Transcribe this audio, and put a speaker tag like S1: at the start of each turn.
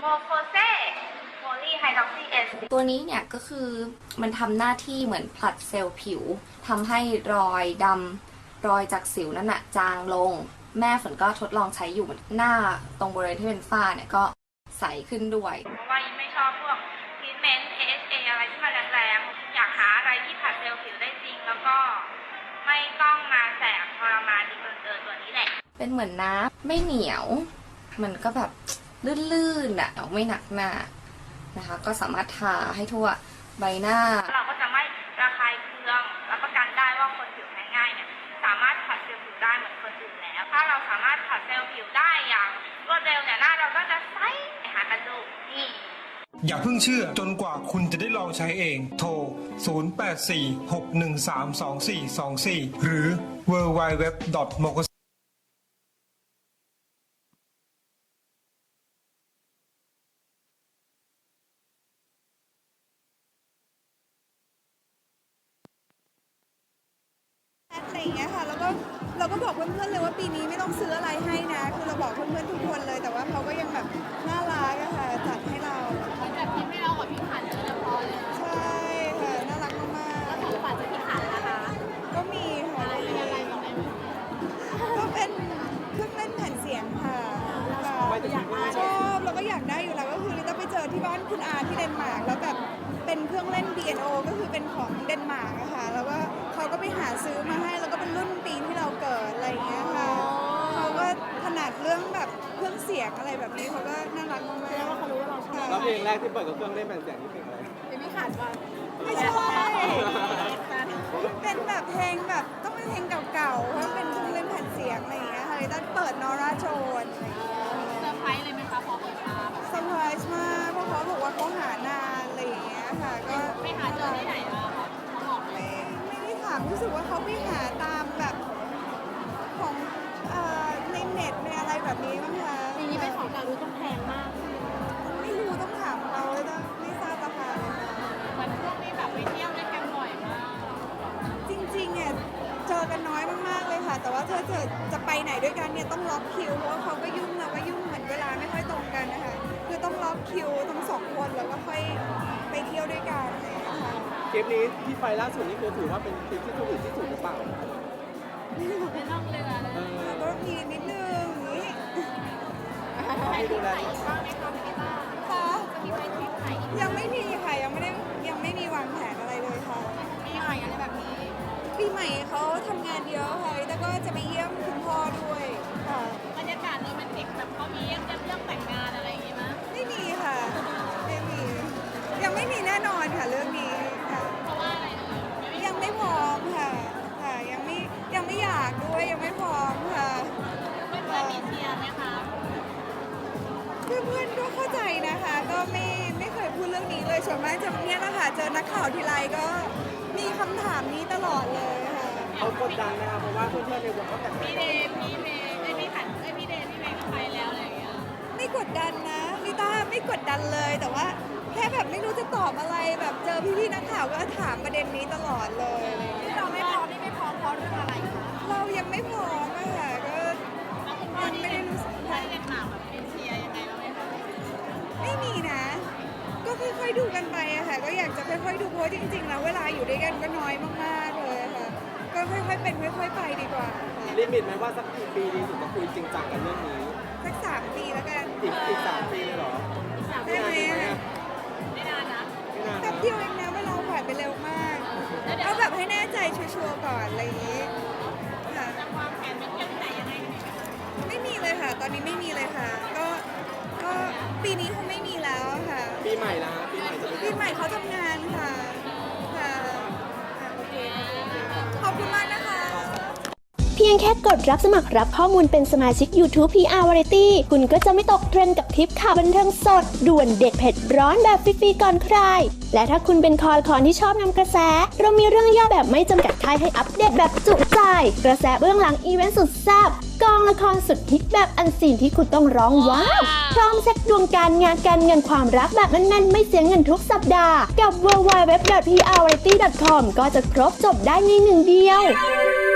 S1: โมโคเซโพลีไฮดรอกซีเอส
S2: ตัวนี้เนี่ยก็คือมันทำหน้าที่เหมือนผลัดเซลล์ผิวทำให้รอยดำรอยจากสิวนั่นน่ะจางลงแม่ฝนก็ทดลองใช้อยู่หน้าตรงบริเวณที่เป็นฝ้าเนี่ยก็ใสขึ้นด้วย
S1: เพราะว่ายิ่งไม่ชอบพวกทรีทเมนต์ AHA อะไรที่มันแรงๆอยากหาอะไรที่ผัดเซลล์ผิวได้จริงแล้วก็ไม่ต้องมาแสบทรมานดีเกินตัวนี้แหละ
S2: เป็นเหมือนน้ำไม่เหนียวมันก็แบบลื่นๆอ่ะไม่หนักหน้านะคะก็สามารถทาให้ทั่วใบหน้า
S1: เราก็จะไม่ระคายเคืองรับประกันได้ว่าคนผิวแพ้ง่ายเนี่ยสามารถผัดเซลล์ผิวได้เหมือนคนอื่นแล้วถ้าเราสามารถผัดเซลล์ผิวได้อย่างรวดเร็วเนี่ยหน้าเราก็จะใสหากันดูนี่
S3: อย่าเพิ่งเชื่อจนกว่าคุณจะได้ลองใช้เองโทร 0846132424 หรือ www.mokos
S4: อะไรอย่างเงี้ยค่ะแล้วก็เราก็บอกเพื่อนๆเลยว่าปีนี้ไม่ต้องซื้ออะไรให้นะคือเราบอกเพื่อนๆทุกคนเลยแต่ว่าเขาก็ยังแบบน่ารักอะค่ะจัดให้เรา
S5: จัดที่ให้เรากับพี่ขันโดยเฉพาะเลย
S4: ใช่ค่ะน่ารักมาก
S5: ๆแล้วของขวัญจากพี่ขันนะคะ
S4: ก็มีค่ะ
S5: มีอะไรบอกได้ไหม
S4: ก็เป็นเครื่องเล่นแผ่นเสียงค่ะชอบแล้วก็อยากได้อยู่แล้วก็คือลิต้าไปเจอที่บ้านคุณอาที่เดนมาร์กแล้วแบบเป็นเครื่องเล่น B&O ก็คือเป็นของเดนมาร์กอะค่ะแล้วก็เขาก็ไปหาซื้อมาให้แล้วก็เป็นรุ่นปีที่เราเกิดอะไรอย่างเงี้ยค่ะเขาก็ถนัดเรื่องแบบเครื่องเสียงอะไรแบบนี้เขาก็น่ารักมากๆ
S5: แล้วเขารู้ว่าเราชอบ
S6: แล้วเพลงแรกที่เปิดกับเครื่องเล่นแผ่นเสียงนี่เพลงอะไร
S5: เป็นพี่ขันป่ะ
S4: ไม่ใช่เป็นแบบเพลงแบบต้องเป็นเพลงเก่าๆเพราะเป็นเครื่องเล่นแผ่นเสียงอะไรอย่างเงี้ยค่ะลิต้าเปิดนอร่าโจนอะไรอย่างเงี้ย
S5: เซอร์ไพรส์เลยไหมคะพอเปิดมา
S4: เซอร์ไพรส์มากเพราะเขาบอกว่าเขาหานานอะไรอย่างเงี้ยค่ะก็
S5: ไม่หาเจอที่ไหนอ่ะเขาบอก
S4: ไม่ได้ถามรู้สึกว่าเขาไปหาตามแบบของในเน็ตในอะไรแบบนี้มั้งคะ
S5: ทีนี้เป็นของเก่าดูต้องแพงมาก
S4: ไม่รู้ต้องถามเขาเลยไม่ทราบราคาเลย
S5: เหมือนพวกนี้แบบไปเที่ยวด้วยกันบ่อยมาก
S4: จริงๆเนี่ยเจอกันน้อยมากๆเลยค่ะแต่ว่าถ้าจะไปไหนด้วยกันเนี่ยต้องล็อกคิวเพราะว่าเขาก็ยุ่งเราก็ยุ่งเหมือนเวลาไม่ค่อยตรงกันนะคะคือต้องล็อกคิวทั้งสองคนแล้วก็ค่อยไปเที่ยวด้วยกันนะคะ
S6: คลิปนี้ที่ไปล่าสุดนี่คือถือว่าเป็นคลิปที่สวีทที่สุดหรือเปล่า
S5: ไม่ต้องเรือเลย
S4: ก็มีนิดนึงนี้
S5: ไปที่ไหนบ้างไหมคะพี่ต้า
S4: ค่ะ
S5: จะมีไปทริปไหน
S4: ยังไม่มีค่ะยังไม่มีวางแผนอะไรเลยค่ะ
S5: ปีใหม่อะไรแบบนี้
S4: ปีใหม่เขาทำงานเยอะค่ะแต่ก็จะไปเยี่ยมคุณพ่อด้วยค่ะ
S5: บรรยากาศโรแมนติกแบบเขามีเรื่องแต่งงานอะไรอย่างงี้มั้ย
S4: ไม่มีค่ะไม่มียังไม่มีแน่นอนค่ะเรื่องนี้ค่ะ
S5: เพราะว่าอะไร
S4: ยังไม่พร้อมค่ะยังไม่อยากด้วยยังไม่พร้อมค่ะ
S5: เพื่อนมีเชียร์ไหมคะ
S4: เพื่อนก็เข้าใจนะคะก็ไม่เคยพูดเรื่องนี้เลยส่วนมากจะเนี่ยนะคะเจอนักข่าวทีไรก็มีคำถามนี้ตลอดเลยค่ะ
S6: เขากดดันนะคะเพราะว่าเพื่อนๆในวงเขาแต่ง
S5: พี่เดย์พี่ขันพี่เดย์พี่เมย์ก็ไปแล้วอะไรอย่างเงี้ย
S4: ไม่กดดันนะลิต้าไม่กดดันเลยแต่ว่าแค่แบบไม่รู้จะตอบอะไรแบบเจอพี่ๆนักข่าวก็ถามประเด็นนี้ตลอดเลย
S5: ที่เราไม่พร้อมนี่ไม่พร้อมเพราะเรื่องอะไรคะ
S4: เรายังไม่พร้อมอะค่ะก็
S5: ยังไม่ได้รู้สึกใช่เล่นหมากแบบเป็นเชียร์ยังไงบ้างไหมคะ
S4: ไม่มีนะก็ค่อยๆดูกันไปอะค่ะก็อยากจะค่อยๆดูเพราะจริงๆแล้วเวลาอยู่ด้วยกันก็น้อยมากๆเลยค่ะก็ค่อยๆเป็นค่อยๆไปดีกว่า
S6: ลิมิตไหมว่าสักกี่ปีดีสุดจะคุยจริงจังกันเรื่องนี้
S4: สัก3 ปีแล้วกัน
S6: อีก3 ปีเลยเหรอ
S4: ได้ไหม
S5: ไม่นานนะ
S4: แป๊บเดียวเองนะเวลาผ่านไปเร็วมากเอาแบบให้แน่ใจชัวร์ๆก่อนอะไรอย่างนี้
S5: ค่ะจะวางแผนเป็นเที่ยวไหนยังไง
S4: ไม่มีเลยค่ะตอนนี้ไม่มีเลยค่ะก็ปีนี้คงไม่มีแล้วค่ะ
S6: ปีใหม่ละ
S4: ปีใหม่เขาทำงานค่ะโอเคขอบคุณมากนะคะ
S7: เพียงแค่กดรับสมัครรับข้อมูลเป็นสมาชิก YouTube PR Variety คุณก็จะไม่ตกเทรนด์กับทริปข่าวบันเทิงสดด่วนเด็ดเผ็ดร้อนแบบฟรีๆก่อนใครและถ้าคุณเป็นคอที่ชอบนำกระแสเรามีเรื่องย่อแบบไม่จำกัดค่ายให้อัปเดตแบบจุใจกระแสเบื้องหลังอีเวนต์สุดแซ่บกองละครสุดฮิตแบบอันซีนที่คุณต้องร้องว้าวพร้อมเช็คดวงการงานการเงินความรักแบบแน่นๆไม่เสียเงินทุกสัปดาห์กับ www.prvariety.com ก็จะครบจบได้ในหนึ่งเดียว